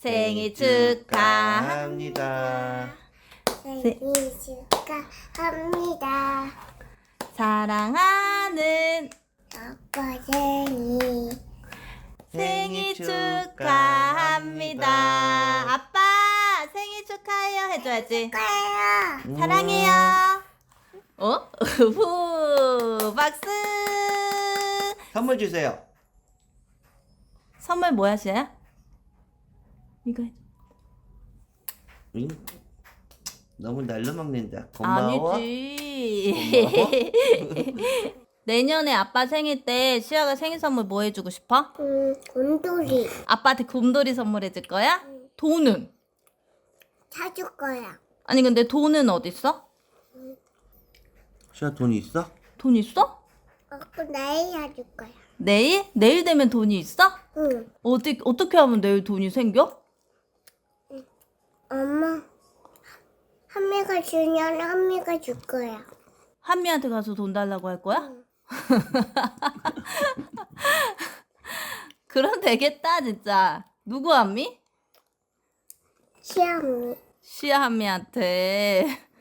생일 축하합니다. 생일 축하합니다. 사랑하는 아빠 생일 생일 축하합니다. 아빠 생일 축하해요 해줘야지. 축하해요. 사랑해요. 후 박수. 선물 주세요. 선물 뭐야 시아야? 이거 해줘. 응? 너무 날로 먹는다. 고마워. 아니지. 내년에 아빠 생일 때 시아가 생일 선물 뭐 해주고 싶어? 곰돌이 아빠한테 곰돌이 선물해줄 거야? 돈은? 사줄 거야. 아니 근데 돈은 어딨어? 시아 돈 있어? 돈 있어? 그럼 내일 사줄 거야. 내일? 내일 되면 돈이 있어? 응. 어떻게 하면 내일 돈이 생겨? 엄마 한미가 주면 한미가 줄 거야. 한미한테 가서 돈 달라고 할 거야? 그럼 되겠다 진짜. 누구 한미? 시아미 시아 한미한테.